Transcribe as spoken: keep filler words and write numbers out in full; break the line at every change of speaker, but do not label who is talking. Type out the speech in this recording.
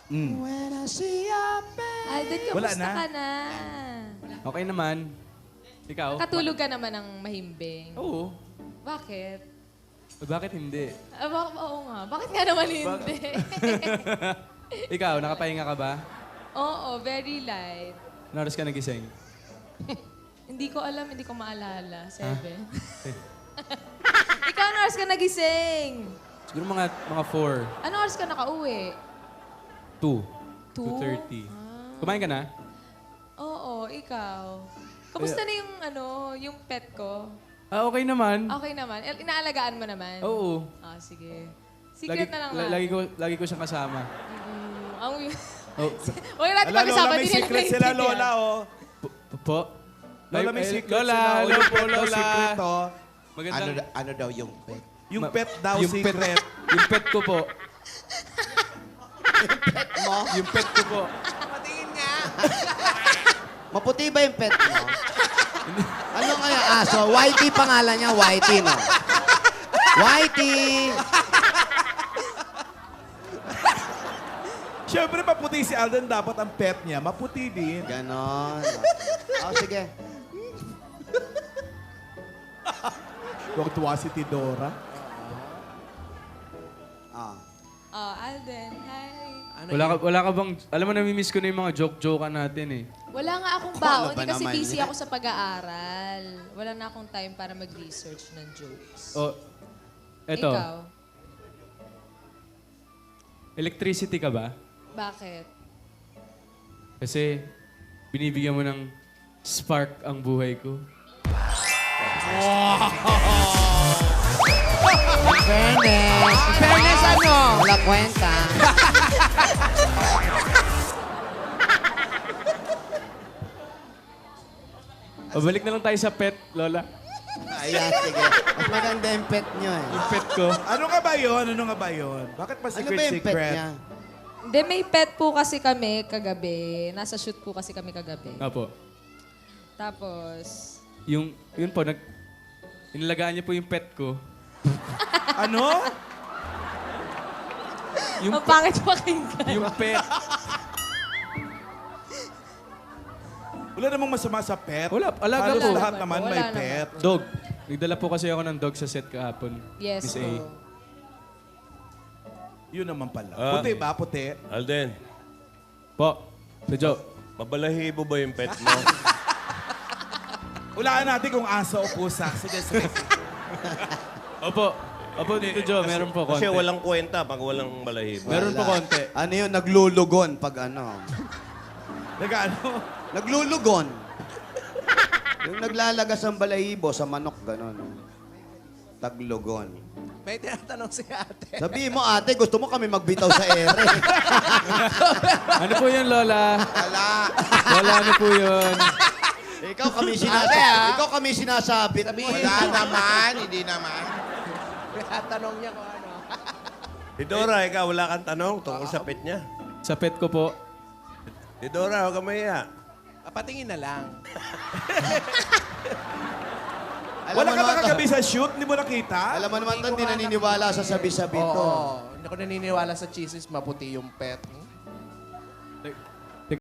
Mm.
Alden,
Wala
kamusta
na.
ka na?
Okay naman. Ikaw?
Katulog ka naman ng mahimbing.
Oo.
Bakit?
Eh, Bakit hindi?
Ah, bak- oo nga. Bakit nga naman hindi?
Ikaw, nakapahinga ka ba?
Oo, very light.
Naras ka nagising?
Hindi ko alam, hindi ko maalala. Seven. Ikaw, ano oras ka nagising?
Siguro mga mga four.
Ano oras ka nakauwi?
two.
Two?
two thirty.
Ah.
Kumain ka na?
Oo, ikaw. Kamusta na yung, ano, yung pet ko?
Ah, okay naman.
Okay naman. Il- Inaalagaan mo naman?
Oo.
Ah, sige. Secret na lang
la-
natin.
lagi ko lagi ko siyang kasama.
Mm, ang...
Oh.
Huwag natin
Ala, Lola,
pag-usapan,
may
hindi nila
secret sila,
naiintindihan.
Lola, oh.
Po- po- po?
Lola, may
Ay, eh,
secret
Lola,
sila. oh.
hello
Yung
po,
pet daw,
Lola.
secret, oh.
Ano,
Magandang...
da- ano daw yung pet?
Yung
Ma-
pet daw,
yung
secret.
Pet, yung pet ko po.
Mo?
Yung pet ko po.
Maputi ba yung pet mo? Ano kaya aso? Whitey pangalan niya, Whitey, no? Whitey!
Siyempre, maputi si Alden. Dapat ang pet niya, maputi din.
Ganon. Oh, sige.
Huwag tuwa si Tidora.
Ah.
Oh, Alden, hi.
Wala ka, wala ka bang... Alam mo, namimiss ko na yung mga joke-joke natin eh.
Wala nga akong
Ano
baon
ba
eh, kasi
naman
busy
yan?
ako sa pag-aaral. Wala na akong time para mag-research ng jokes.
O, eto.
Ikaw,
Electricity ka ba?
bakit?
Kasi binibigyan mo ng spark ang buhay ko.
Fairness. Fairness ano? Wala kwenta.
Pabalik na lang tayo sa pet, Lola.
Ayan, sige. Mas maganda yung pet niyo eh.
Yung pet ko.
Ano nga ba yun? Ano nga ba yun? Bakit pa
Ano
secret,
ba yung pet
secret?
niya?
Hindi, may pet po kasi kami kagabi. Nasa shoot po kasi kami kagabi.
Apo.
Tapos,
Yung, yun po, nag... Inalagaan niya po yung pet ko.
Ano?
Yung,
ang pangit pakinggan.
yung pet.
Wala namang masama sa pet.
Wala, alaga
Halos
po.
lahat
Wala
naman
naman.
may
Wala naman.
pet.
Dog. Nagdala po kasi ako ng dog sa set kahapon.
Yes
Miss
po.
A.
Yun naman pala.
Ah.
Puti ba? Puti?
Alden,
Po. Medyo.
mabalahibo ba yung pet mo?
Ulaan natin kung aso o pusa. Sige, sige.
Opo. Opo, Tito Joe, meron po konti.
Kasi walang kwenta pag walang balahibo.
Meron po
Wala.
konti.
Ano yun? Naglulugon pag ano.
Nag-ano?
Naglulugon. Yung naglalagas ng balahibo sa manok, gano'n. Taglugon.
May tinatanong si ate.
Sabihin mo, ate, gusto mo kami magbitaw sa ere.
Ano po yun, Lola?
Wala.
Lola, ano po yun?
Ikaw kami sinasabi. Ikaw kami sinasabi.
Wala
naman, hindi naman.
Tinatanong niya kung ano.
Didora, ikaw wala kang tanong tungkol sa pet niya.
Sa pet ko po.
Didora, huwag ka mahiya.
Papatingin na lang.
Alam
Wala
mo
ka ba
naman,
kagabi sa shoot? Hindi mo nakita?
alam mo naman, to, hindi naniniwala sa sabi-sabi
Oo.
to.
Hindi ko naniniwala sa cheeses, maputi yung pet.